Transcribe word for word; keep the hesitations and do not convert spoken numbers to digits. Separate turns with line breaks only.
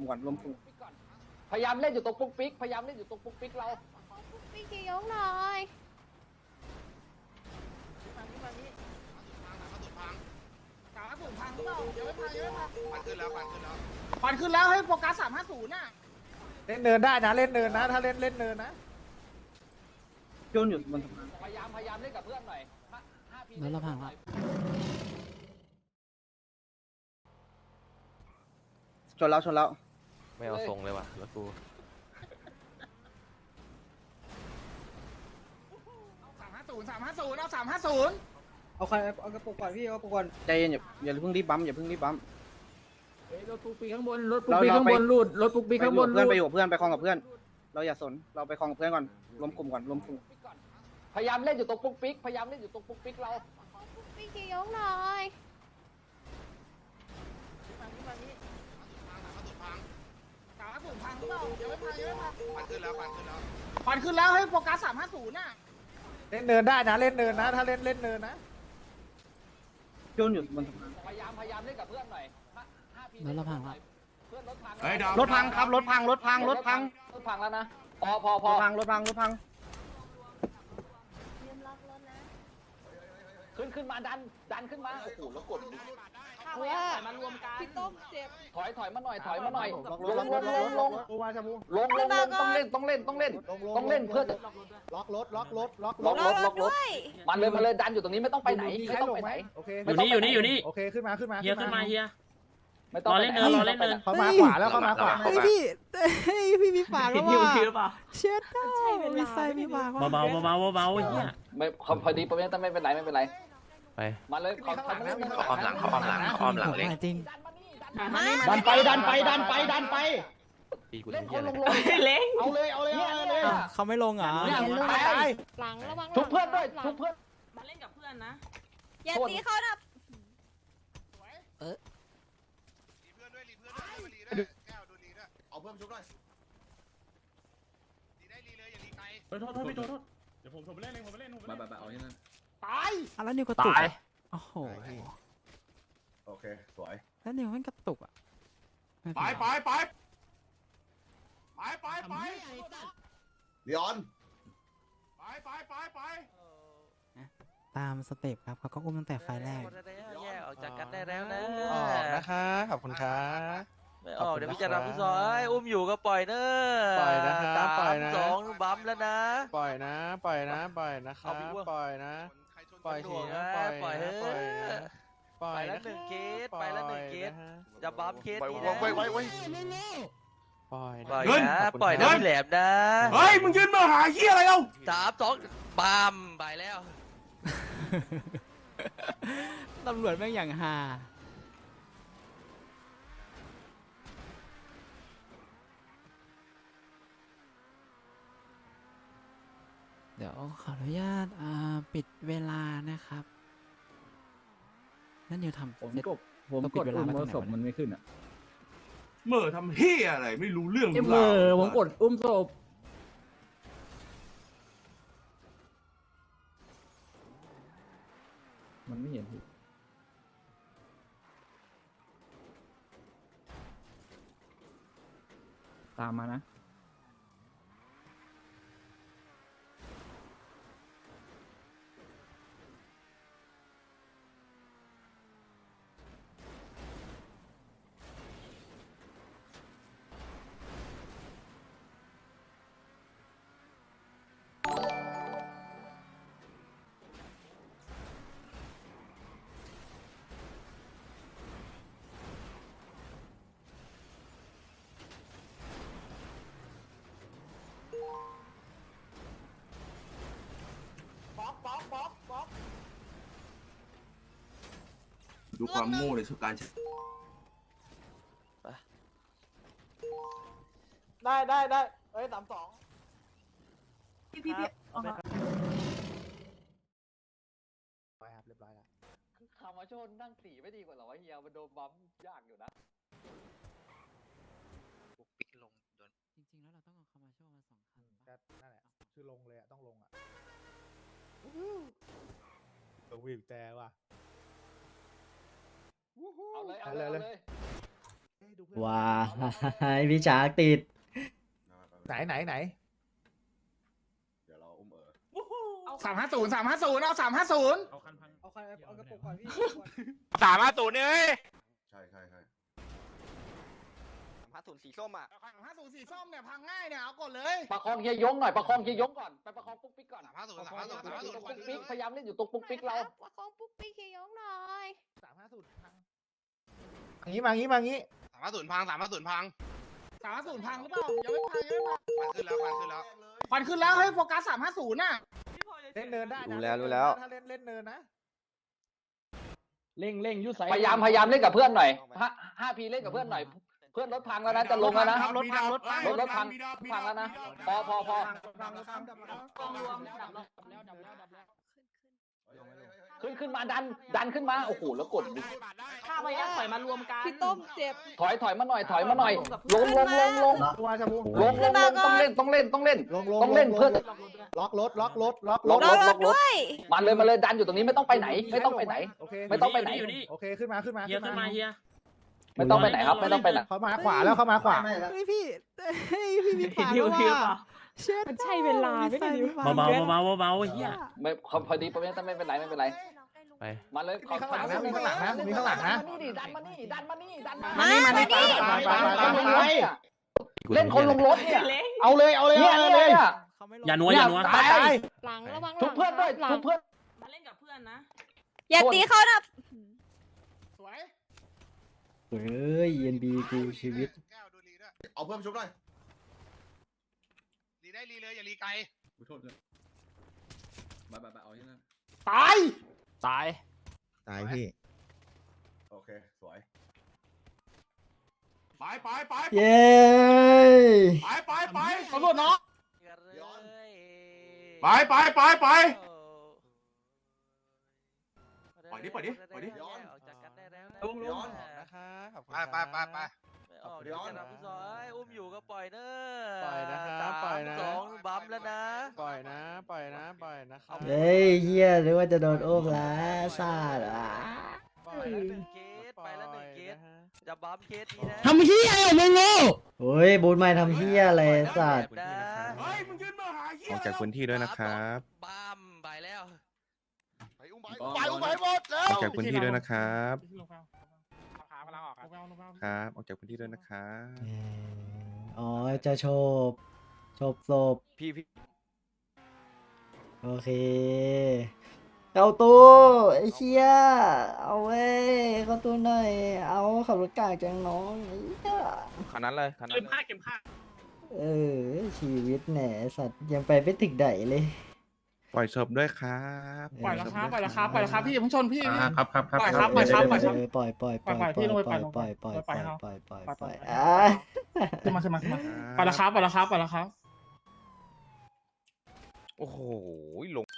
ก่อนรวมกลุ่ม
พยายามเล่นอยู่ตรงปุ๊กปิ๊กพยายามเล่นอยู่ตรงปุ๊กปิ๊กเรา
ปุ๊กปิ๊กจะยกหน่อย
ปันขึ้นแล้วปันขึ้นแล้ว
ควันขึ้นแล้วให้โฟกัสสามห้าศูนย์น่ะ
เล่นเนินได้นะเล่นเนินนะถ้าเล่นเล่นเนินนะ
โยนอยู่บนสะพาน
พยายามพยายามเล่นกับเพื่อนหน่อยห้าพี
แล้วเราพังละ
ชนแล้วชนแล้ว
ไม่เอาทรงเลยว่ะแล้วกู
สามห้าศูนย์สามห้าศูนย์เอาสามห้าศูนย์
เอาใครเอากระปุกก่อนพี่เอากระปุกก่อนใจเย็นอย่าอย่าเพิ่งรีบบัมอย่าเพิ่งรีบบัม
รถปุ๊กปิ๊กข้างบนรถปุ๊กปิ๊กข้างบนรูดรถปุ๊กปิ๊ก
ไป
ข้าง
อบ ยู่
น
กับเพื่อนไปอยู่กับเพื่อนไปคลองกับเพื่อน เราอย่าสนเราไปคลองกับเพื่อนก่อนรวมกลุ่มก่อนรวมกลุ่ม
พยายามเล่นอยู่ตรงปุ๊กปิ๊กพยายามเล่นอยู่ตรงปุ๊กปิ๊กเรา
ปุ๊กปิ๊กจะยกหน่อย
สามห้าศูนย์พังหรือเปล่ายังไม่พังยังไม่พัง
ปันขึ้นแล้วปันขึ้นแล้ว
ควันขึ้นแล้วให้โฟกัสสามห้าศูนย์น่ะ
เล่นเนินได้นะเล่นเนินนะถ้าเล่นเล่นเนินนะ
โยนอยู่บนสะพาน
พยายามพยายามเล่นกับเพื่อนหน่อยห้าพี
แล้วเราพังละ
เพื่อนรถพัง
เฮ้ยดาว
รถพังครับรถพังรถพังรถพัง
รถพังแล้วนะพอพอพ
ร
อ
ถพังรถพังรถพัง
ลืมล็อกรถนะ
ขึ้นขึ้นมาดันดันขึ้นมาโอ้โหแล้วกด
เพื่อมารวมกันพี่ต้มเจ็บ
ถอยถอยมาหน่อยถอยมาหน่อย
ล็อก
ล
รถ
ง
ล็อก
ล
รง ถ
ลงลง
กูมาชาบู
ลงลงลงต้องเล่นต้องเล่นต้องเล่นต้องเล่นเพื่อ
ล็อกรถล็อกรถล็อกร
ล็อ
ถ
กรถล็อกรถมาเลยมาเลยดันอยู่ตรงนี้ไม่ต้องไปไหนไม่ต้องไปไหน
โอเค
อยู่นี่อยู่นี่อยู่นี่
โอเคขึ้นมาขึ้นมา
เฮียขึ้นมาเฮีย
ไม่ต้อง
รอเล่นเนินรอเล่นเนิน
เขามาขวาแล้วเขามาขวา
เฮ้ยพี่เฮ้ยพี่มีปากแล้ว
ผิด
ว่ะ
ผิดหรือเปล่า
เช็ดใช่มีไซมีปากว่ะ
เบาๆเบาๆเบาๆเฮีย
ไม่พอดีประเด็นไม่เป็นไรไม่เป็นไร
ไป
มาเลยขอขอมาเล่น
เขาอ้อมหลังเขาอ้อมหลังเขาอ้อมหลังเล็ก
จริง
ดันไปดันไปดันไปดันไป
ปีกู
เล่
เล่
น
น
ค
เหี้ย
น
อะไร
ลงลง
เล้ง
เอาเลยเอาเลย
เนี่ย
เอา
เนี่
เลย ย
เขาไม่ลงเหรอ
เนี่ยตาย
หลังระวัง
ชุบเพื่อนด้วยชุบเพื่อน
มาเล่นกับเพื่อนนะ
อย่าตีเขานะ
รีเพื่อนด้วยรีเพื่อนด้วยมารีด้วยแก้วดูรีด้วยเอาเพิ่มชุบหน่อยรีได้รีเลยอย่ารีไกล
โทษโทษพี่โทษโทษเดี๋ยวผมผมไปเล่นเองผมไปเล่นผมไปเล่น
เอาที่นั่น
ตาย
อ่ะแล้วนิวกระตุก
ตาย
โอ้โห
โอเคสวย
แล้วนิวมันกระตุกอ่ะม่
ไป
เป็น
ไป
ไร
ไปไปไปไปลีออนไปไปไปไป
ตามสเต็ปครับเขาก็อุ้มตั้งแต่ไฟล์แรก
แยกออกจากกันได้แล้วนะ
ออกนะคะขอบคุณครับ
ไม่ออกเดี๋ยวพี่จะรับพี่ซอยอุ้มอยู่ก็ปล่อยเนอะ
ปล่อยนะครับปล่อยนะ
สองบัมแล้วนะ
ปล่อยนะปล่อยนะปล่อยนะครั
เอา
บ
พี่อ้วน
ปล่อยนะ
ใครชน
ปล่อย
ห
ที
น่วง
นะ
นะ
ปล่อย
ปล่อยเถ
นะ
อะ
ปล่อยนะปล่อย
ไปแล้ว
นะ
หนึ่งเคสไปแล้วหนึ่งเคส
ปล่อยนะฮะ
จะบัมเคส
ไว้
นี้
ไว้
นะ
ไว้ไว้
ปล่อย
ปล่อย
เงิน
นะ
ขอบคุณ
ปล่อยนะครับ พี่แหลมนะ
เฮ้ยมึงยืนมาหาเฮียอะไรเอ้า
สามสองบัมไปแล้ว
ตำรวจแม่งอย่างฮาเดี๋ยวขออนุญาตอ่าปิดเวลานะครับนั่นนิวทำ
ผม
เสร็จ
กดผม
ต้องปิ
ก
ด
ด
เวลา
อุ้ม
ไว้ตรง
แล้ว
ไหน
ศพ
วะ
มันไม่ขึ้นอ่ะ
เมื่อทำเฮียอะไรไม่รู้เรื่อง
เอ็มเมอร์ผมกดอุ้มศพมันไม่เห็นพี่ตามมานะ
ดูความโง่ในสุดการ
ได้ได้ได้เอ้ยสามสอง
พี่พี่พี่ออกมาไปครับเรียบร้อยแล้ว
คามาโชนนั่งสีไม่ดีกว่าเหรอวะเฮียมันโดนบัมยากอยู่นะ
ปิกลงโดน
จริงๆแล้วเราต้องเอาคามาโชว์มาสองคัน
ก็นั่นแหละคือลงเลยอ่ะต้องลงอ่ะตัววิ่งแต่ว่ะ
เอาเลยเอา
เอา
เล
เลย ย
เอา
เลย
เลย
เอ้ยดูเพื่อน
ว้ายพี่ช้างติด
ไหนไหนไหน
เดี๋ยวเราอุ้มเออ
สามห้าศูนย์สามห้าศูนย์เอาสามห้าศูนย์
เอาคันพัง
เอาใครเอากระปุกก่อนพี่
สามห้าศูนย์เลย
ใช่ใช่ใช่
ห้าศูนย์สีส้มอ่ะ
สามห้าศูนย์สีส้มเนี่ยพังง่ายเนี่ยเอาก่อนเลย
ประคองเฮียยงหน่อยประคองเฮียยงก่อนไปประคองปุ๊กปิ๊กก่อน
สามห้าศูนย์
ประ
สา
ค
ม
อง
ห้าศูนย์สามห้าศูนย์
ปุ๊กปิ๊กพยายามเล่นอยู่ตรงปุ๊กปิ๊กเรา
ประคองปุ๊กปิ๊กเฮียยงหน่อย
สามห้าศูนย์อย่างนี้มางี้มางี้
สามห้าศูนย์พังสามห้าศูนย์พัง
สามห้าศูนย์พังหรือเปล่ายังไม่พังยังไม่พัง
ควันขึ้นแล้วควันขึ้นแล้ว
ควันขึ้นแล้วเฮ้ยโฟกัสสามห้าศูนย์น่ะ
เล่นเนินได้นะ
รู้แล้วรู้แล้ว
ถ้าเล่นเล่นเนินนะ
เร่งเร่งยุดใส่พยายามพยายามเล่นกับเพื่อนหน่อยห้าห้าพีเล่นกับเพื่อนหน่อย เพื่อนรถพังแล้วนะจะลงแล้วนะ
รถพังรถพัง
รถรถพังพังแล้วนะพอพอพอ
กองรวมดับแล้ว
ขึ้นขึ้นมาดันดันขึ้นมาโอ้โหแล้วกดดิ
ข้าพยายามถอยมารวมกัน
พี่ต้มเจ็บ
ถอยถอยมาหน่อยถอยมาหน่อยลงลงลงลง
ตัวชาบู
ลงลงลงต้องเล่นต้องเล่นต้องเล่น
ลงลง
ต้องเล่นเพื่อน
ล็อกรถล็อกรถล็อกร
ล็อ
ถ
ก
ร
ร
อ
ถ
ร
ล็
ถ
อกรถ
ด้วย
มาเลยมาเลยดันอยู่ตรงนี้ไม่ต้องไปไหน ไม่ต้องไปไหน
โอเค
ไม่ต้องไปไหน
อยู่นี่
โอเคขึ้นมาขึ้นมา
เฮียขึ้นมาเฮีย
ไม่ต้องไปไหนครับ ไม่ต้องไปไหน
เขามาขวาแล้วเขามาขวา
พี่พี่เฮ้ยพี่มีผ่าน
หิว
แล้ว
หิว
ว่ะเช็ด
มันใช่เวลาไม่ได้ดิ
เบา
เบาเบาเบาเบาเฮีย
ไม่พอดีไม่ไม่เป็นไรไม่เป็นไร
ไป
มาเลย
มีข้างหลังนะมีข้างหลังนะมีข้างหลังนะ
นี่ดิดันมานี่ดันมานี่ดันมา
มานี่มานี่
ไปไปไปไปไป
เล่นคนลงรถเนี่ย
เอาเลยเอาเลย
เนี่ย
เอา
เนี่ย
เลย
เนี่ย
เขาไม่ลง
อย่านัวอย่านัว
ตายตาย
หลังระวัง
ทุบเพื่อนด้วย
หลัง
ทุบเพื่อน
มาเล่นกับเพื่อนนะ
อย่าตีเขานะ
สวย
เฮ้ย เอ็น บี กูชีวิต
แก้วดูรีด้วย
เอาเพิ่มชุบหน่อย
รีได้รีเลยอย่ารีไกล
โทษเลยบายบายบายเอาที่นั่น
ตาย
ตาย
ตายพี่
โอเคสวย
ไปไปไป
เย้
ไปไปไปตำรวจเนาะ
ย้อน
ไปไปไปไป ปล่อยดิปล่อยดิปล่อยดิ
ย้อนออกจากกันได้แล้วนะ
ลุงลุง
ไปไปไปไปไม่ออกเดี๋ยวจะนำผู้สอยอุ้มอยู่ก็ปล่อยเนอะ
ปล่อยนะครับปล่อยนะ
สามสองบัมแล้วนะ
ปล่อยนะ ปล่อยนะ ปล่อยนะครับ
เฮ้ยเฮียนึกว่าจะโดนโอ้มแล้วซาดอ่ะ
ปล่อยแล้วหนึ่งเคสไปแล้วหนึ่งเคสจะบัมเคสนี้นะ
ทำเฮียอะไรมึงโง่โอ้ยบูทไม่ทำเฮียอะไรสัตว์
นะ
เฮ้ยมึงยืนมาหาเหี้ย
ออกจากพื้นที่ด้วยนะครับ
บัมไปแล้ว
ไปอุ้มไป
ไปอุ้มไปหมดแล้ว
ออกจากพื้นที่ด้วยนะครับ
พาพลังออกครับ
ครับ ออกจากพื้นที่ด้วยนะครับ
เอ่ออ๋อ จะโฉบโฉบศพ
พี่พี่
โอเคเข้าตู้ไอ้เชี่ยเอาเว้ยเข้าตู้หน่อย เอาขับรถกากจังน้องไอ้เหี้ย
คันนั้นเลยคันนั้
เก็
น
บผ้าเก็บผ้า
เออ ชีวิตแหนสัตว์ยังไปไม่ถึงไหนเลย
ปล่อยศพด้วยครับ
ปล่อยแล้วครับปล่อยแล้วครับปล่อยแล้วครับพี่อย่าเพิ่งชนพี่พี่
ครับครับครับ
ปล่อยครับปล่อยครับปล่อยครับ
เออปล่อยปล่อยปล่อย
ปล่อยพี่ลงไป
ปล่อย
ป
ป
ล่
ล่
อ
อย ย
ป
ป
ล่
ล่
อ
อย ย
ป
ป
ล่
ล่
อ
อย ย
ครับ
ปล่อยปล่อย
ปล่อย
ปล่อย
ปล่อย
อ่ะ
ขึ้นมาขึ้นมาขึ้นมาปล่อยแล้วครับปล่อยแล้วครับปล่อยแล้วครับ
โอ้โหลง